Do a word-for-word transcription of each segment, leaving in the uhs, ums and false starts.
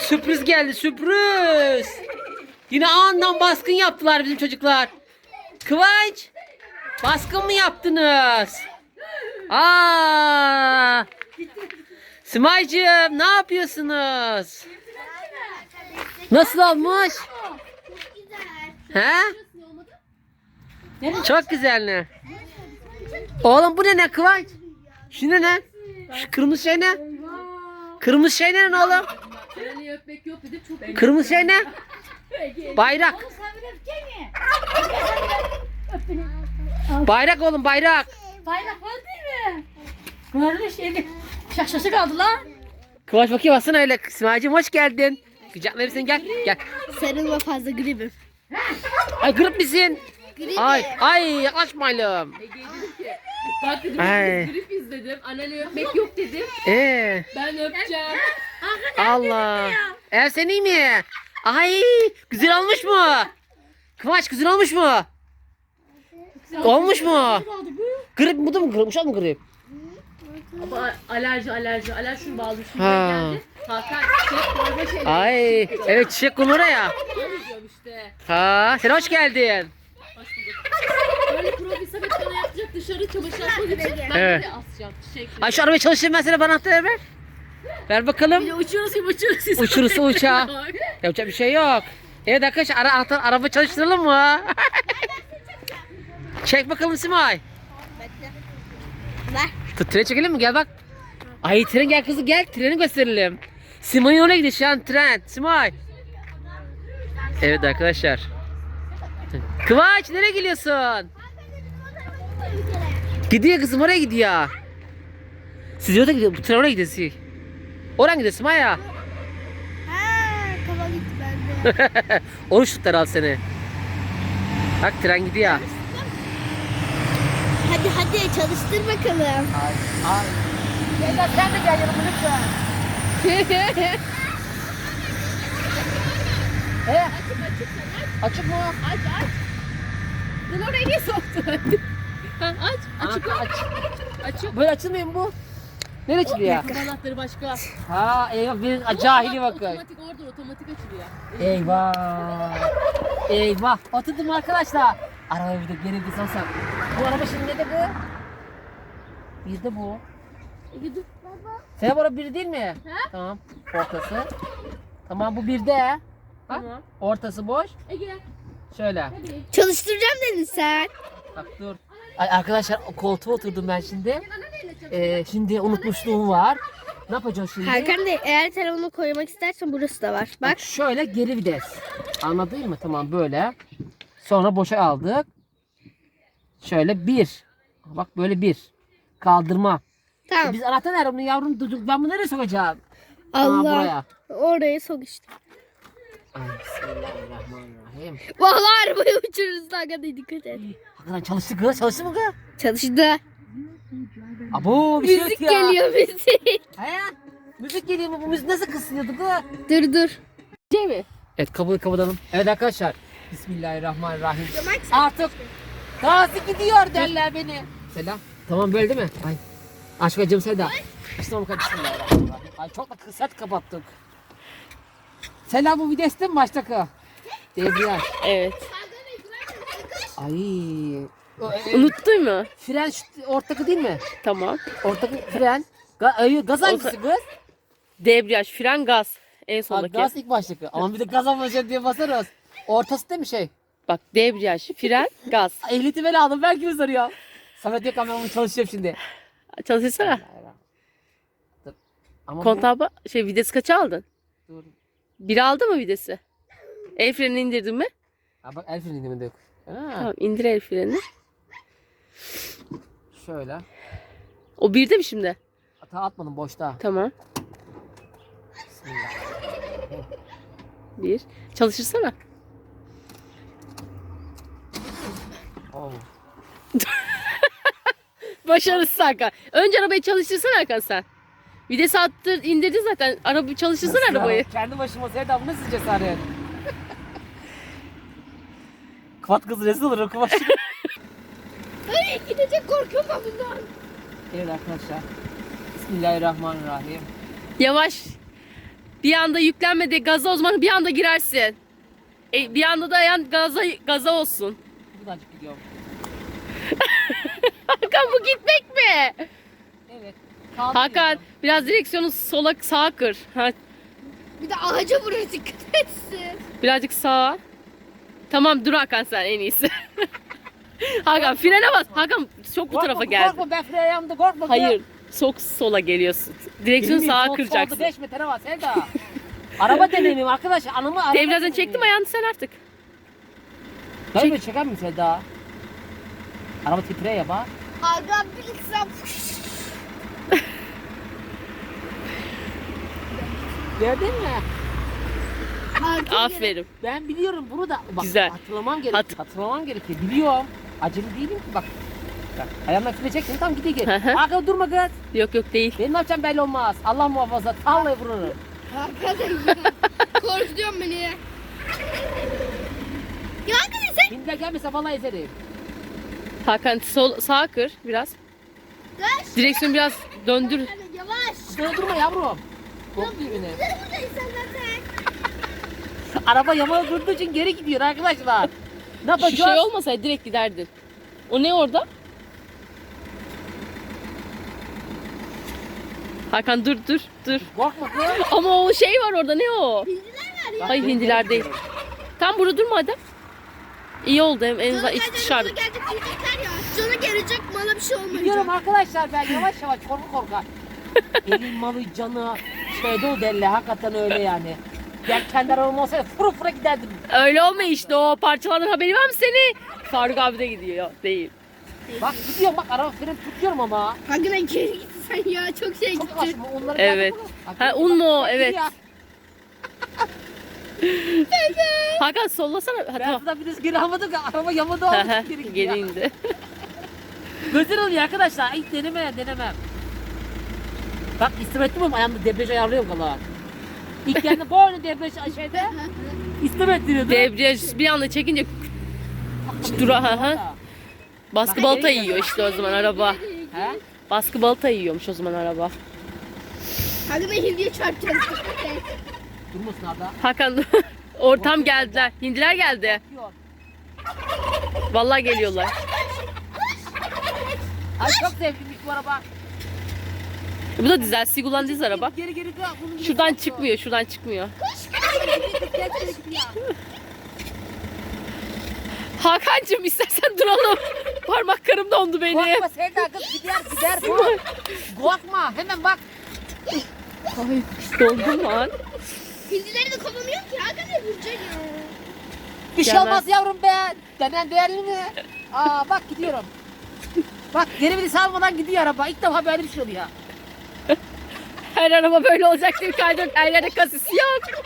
Sürpriz geldi, sürpriz. Yine andan baskın yaptılar bizim çocuklar. Kıvanç, baskın mı yaptınız? Aa! Simaycığım, ne yapıyorsunuz? Nasıl olmuş? He? Çok güzel ne? Oğlum bu ne ne Kıvanç? Şu ne ne? Şu kırmızı şey ne? Kırmızı şey ne lan oğlum? Kırmızı şey ne? Bayrak. Bayrak oğlum, bayrak. Bayrak var değil mi? Böyle şeydi. Şaşası kaldı lan. Kıvanç bakayım baksana öyle. Simaycığım hoş geldin. Kucaklayayım seni, gel. Gel. Sarılma fazla gribim. Ay grip misin? Grip. Ay ay yaklaşmayalım. Bak dedim Ay. biz grip izledim. Anneni öpmek yok dedim. Ee, Ben öpeceğim. Allah. Ev sen iyi mi? Ay güzel olmuş mu? Kıvanç güzel olmuş mu? Olmuş mu? Grip bu da mı grip? Uşak mı grip? Ama alerji alerji. Alerji şunu bağlı. Şunu Ha. geldi. Hakan çiçek koyma şeyleri. Ay evet çiçek kumura ya. Diyorum işte. Ha sen hoş geldin. Hoş bulduk. Böyle profil sabit bana yapacak dışarı çamaşır atmak için. Ben Evet. de asacağım çiçek. Ay şu arabayı çalıştırayım ben sana, bana anahtarı ver. Ver bakalım. Uçuyoruz gibi uçuyoruz. Uçurursa uçağı. Yapacak bir şey yok. Evet arkadaşlar ara, ara- araba çalıştıralım mı? Çek bakalım Simay. Ver. Tut trene çekelim mi? Gel bak. Ay tren gel kızım gel. Treni gösterelim. Simay'ın oraya gidiyor şu an tren. Simay. Evet arkadaşlar. Kıvanç nereye gidiyorsun? Gidiyor kızım, oraya gidiyor. Siz oraya gidiyor. Bu tren oraya gidiyor. siz. Oraya gidiyor Simay ya. Ha, kafa gitti bende. Oruç tutlar al seni. Bak tren gidiyor. Hadi hadi çalıştır bakalım. Ay, ay. Gel sen de gel yanıma lütfen. He? Açık mı? Aç aç. Sen oraya niye soktun? Ha, aç. Açık Anahtar aç. Açık. Böyle açılmıyor mu bu? Nereye açılıyor? Kapı anahtarı başka. Ha eyvah bir cahili bakın. Otomatik orada otomatik açılıyor. Eyvah. Eyvah. Oturdum arkadaşlar. Araba bir de geri bir sansam. Bu araba şimdi ne de bu? Bir de bu. Ege dur. Sen bu araba bir değil mi? Ha? Tamam. Ortası. Tamam bu bir de. Bak. Tamam. Ortası boş. Ege Şöyle. hadi. Çalıştıracağım dedin sen. Bak dur. Ay arkadaşlar o koltuğa oturdum ben şimdi. Ee, şimdi unutmuşluğum var. Ne yapacağız şimdi? Hakan Bey eğer telefonu koymak istersen burası da var. Bak. Bak şöyle geri vites. Anladın mı? Tamam böyle. Sonra boşa aldık. Şöyle bir. Bak böyle bir. Kaldırma. E Tamam. biz anahtar nerede bunu yavrum? Dur, ben bunu nereye sokacağım? Aa, Allah. buraya. Oraya sok işte. Ay, bismillahirrahmanirrahim. Vallahi arabayı uçururuz Hakan Bey, dikkat et. Hakikaten çalıştı kız. Çalıştı mı kız? Çalıştı. Abo bir şey Müzik yok ya. geliyor müzik. He? Müzik geliyor mu? Bu müzik nasıl kısılıyordu kız? Dur dur. Şey mi? Evet kabul kapatalım. Evet arkadaşlar. Bismillahirrahmanirrahim. Artık Gazi gidiyor derler beni. Selam. Tamam böyle değil mi? Ay. Aşk acım Seda. Tamam kardeşim. Ay çok da kısa kapattık. Selam bu vites değil mi baştaki? Debriyaj. Evet. Ay. O, e, Unuttun mu? Fren şu ortaki değil mi? Tamam. Ortaki fren. Ga, ay, gaz hangisi kız? Debriyaj, fren, gaz. En Ha, sondaki. gaz ilk baştaki. Ama bir de gaz almayacak diye basarız. Ortası değil mi şey? Bak debriyaj, fren, gaz. Ehliyeti ben aldım. Ben kimi soruyor? Samet yok ama ben bunu çalışacağım şimdi. Çalışsana. Dur. Ama bu- Kontağı ba- şey vites kaça aldın? Dur. Bir aldı mı vitesi? El frenini indirdin mi? Ha bak el freninde yok. Ha, Tamam indir el frenini. şöyle. O birde mi şimdi? Hata atmadım boşta. Tamam. Bismillah. Bir. Çalışırsana. Oh. Başarısız Hakan. Önce arabayı çalıştırsana Hakan sen. Vites attır, indirdin zaten. Araba çalıştırsana Nasıl ya? arabayı. Kendi başıma Sevda bu nasıl cesaret? Kuvat kız rezil olur o kuvat. Ay gidecek, korkuyorum ben bundan. Evet arkadaşlar. Bismillahirrahmanirrahim. Yavaş. bir anda yüklenme de gaza, o zaman bir anda girersin. E, bir anda da ayağın gaza, gaza olsun. Birazcık gidiyorum. Hakan bu gitmek mi? Evet. Hakan biraz direksiyonu sola sağa kır. Ha, Bir de ağaca vuruyor, dikkat etsin. birazcık sağa. Tamam dur Hakan sen en iyisi. Hakan frene bas. Hakan çok bu tarafa geldi. Korkma ben frene yanımda korkma. Hayır çok sola geliyorsun. Direksiyonu sağa kıracaksın. Solda beş metre var Sevda. Araba deneyimim arkadaş. Anımı araba Devreden deneyimim. çektim ayağını sen artık. Hayır böyle çeker misin Sevda? Araba titreye ya bak. Aga bilsem. Gördün mü? Aferin. Ben biliyorum bunu da. Bak, Güzel. Hatırlamam gerekiyor. Hat- Hatırlamam gerekiyor. Biliyorum. Acele değilim ki bak. Bak ayağımla frene çektim tam gidiyor Hı geri. hı. Arkada durma kız. Yok yok değil. Benim ne yapacağım belli olmaz. Allah muhafaza. Vallahi vururum. Hakikaten ya. Korkutuyorsun beni. Ya hakikaten sen. Şimdi gelmese vallahi ezerim. Hakan sol sağa kır biraz. Kaç. Direksiyonu biraz döndür. Yavaş. Şuraya durma yavrum. Korkuyor beni. Buradayız sen zaten. Araba yamağa durduğu için geri gidiyor arkadaşlar. Ne Şu yapacağız? şey olmasaydı direkt giderdin. O ne orada? Hakan dur dur dur. Korkma kız. Ama o şey var orada, ne o? Hindiler var ya. Hayır hindiler değil. Tam burada durma hadi. İyi oldu en en azından iç dışarı. Canı gelecek diyecekler ya. Canı gelecek, bana bir şey olmayacak. Biliyorum arkadaşlar ben yavaş yavaş korku korka. Elin malı canı şeyde o derler hakikaten öyle yani. Ben kendi arabam olsaydı furu fura giderdim. Öyle olmuyor işte, o parçalardan haberi var mı seni? Faruk abi de gidiyor. Değil. Bak gidiyorum bak araba freni tutuyorum ama. Hakikaten geri git sen ya. Çok şey Çok gitti. kaçma onları Evet. Ha un mu o? Evet. Ya. Hakan sollasana. Ha, Ben tamam. zaten biraz geri almadım ki araba yamadı Hı olmuş hı, geri gidiyor. Geri indi. Güzel oluyor arkadaşlar. Hiç deneme denemem. Bak istemettim ama ayağımda debriyaj ayarlıyorum valla. İlk geldi boynu debriyaj şeyde istemettiriyordu. Debriyaj bir anda çekince dura ha ha. Baskı balta yiyor işte o zaman araba. He? Baskı balta yiyormuş o zaman araba. Hakikaten hindiye çarpacağız. Durmasın Arda. Hakan ortam geldiler. Hindiler geldi. Yok. Vallahi geliyorlar. Ay çok sevdiğim bu araba. Bu da dizel, Sigulan dizel araba. Geri geri dön. Bunun gibi Şuradan yapıyor. çıkmıyor, şuradan çıkmıyor. Gel, geri gidiyor. Hakan'cığım istersen duralım. Parmaklarım dondu benim. Korkma Sevda kız gider gider. Dur. Korkma hemen bak. Ay dondum lan. Hindileri de kovamıyor ki. Hakikaten vuracak ya. Bir şey Gelmez. olmaz yavrum be. Denen değerli mi? Aa bak gidiyorum. Bak geri biri salmadan gidiyor araba. İlk defa böyle bir şey oluyor. Her araba böyle olacak diye kaydırak, her yerde kasis yok.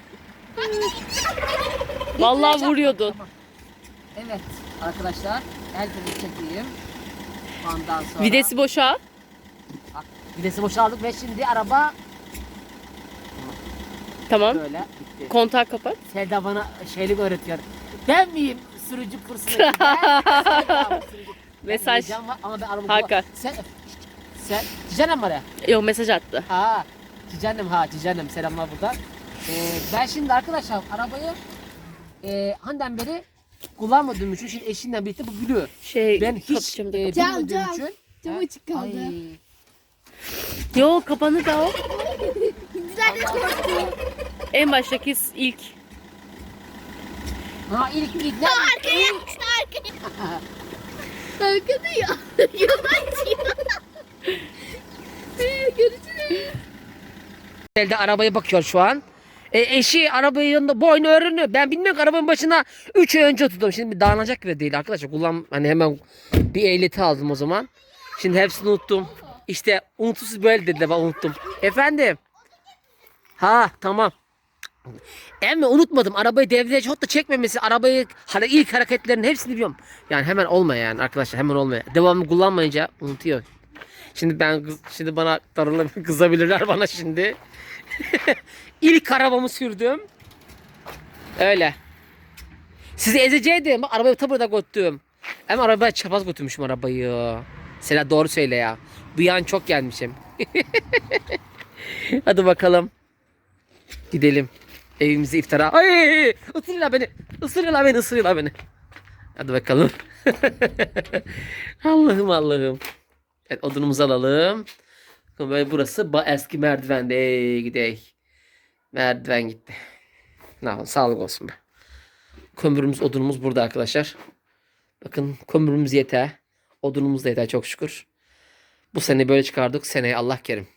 Vallahi vuruyordun. Tamam. Evet arkadaşlar. El freni çekeyim. Ondan sonra. Videsi boşa. Bak, videsi boşaldık ve şimdi araba Tamam. böyle bitti. Kontağı kapat. Selda bana şeylik öğretiyor. Ben miyim sürücü kursuna giden? Selda mı sürücü? Mesaj. Ben heyecan var ama ben araba... Hakan. Sen... Sen... Cicanem var ya. Yok mesaj attı. Ha. Cicanem ha Cicanem selamlar buradan. Ee, ben şimdi arkadaşlar arabayı e, handen beri kullanmadığım için şimdi eşimle birlikte bu biliyor. Şey Ben hiç kapatacağım da e, kapat- Cam, bilmediğim cam. için. Cam Ha? açık kaldı. Ay. Yo kapanı da o. Hindiler de korktu. En baştaki ilk. Ha ilk ilk ne? Arkaya yapmıştı arkaya. Arkada ya. Yavaş ya. Görüşürüz. Elde arabaya bakıyor şu an. E, eşi arabayı yanında boynu örünü. Ben bilmiyorum ki arabanın başına üç ay önce tuttum. Şimdi bir dağılacak gibi değil arkadaşlar. Kullan hani hemen bir ehliyeti aldım o zaman. Şimdi hepsini unuttum. İşte unutusuz böyle dediler ben unuttum. Efendim. Ha tamam. Ama unutmadım. Arabayı devreye çok da çekmemesi, arabayı hani ilk hareketlerin hepsini biliyorum. Yani hemen olmuyor yani arkadaşlar hemen olmuyor. Devamlı kullanmayınca unutuyor. Şimdi ben kız- şimdi bana darılır kızabilirler bana şimdi. İlk arabamı sürdüm. Öyle. Sizi ezeceğim. Bak arabayı ta burada götürdüm. Ama arabaya çapaz götürmüşüm arabayı. Sela doğru söyle ya. Bu yan çok gelmişim. Hadi bakalım. Gidelim. Evimize iftara. Ay! Isırıyorlar beni. Isırıyorlar beni. Isırıyorlar beni. Hadi bakalım. Allah'ım Allah'ım. Evet, odunumuzu alalım. Böyle burası ba- eski merdivende. Ey gidey. Merdiven gitti. Ne yapalım, sağlık olsun be. Kömürümüz, odunumuz burada arkadaşlar. Bakın kömürümüz yeter. Odunumuz da yeter çok şükür. Bu sene böyle çıkardık. Seneye Allah kerim.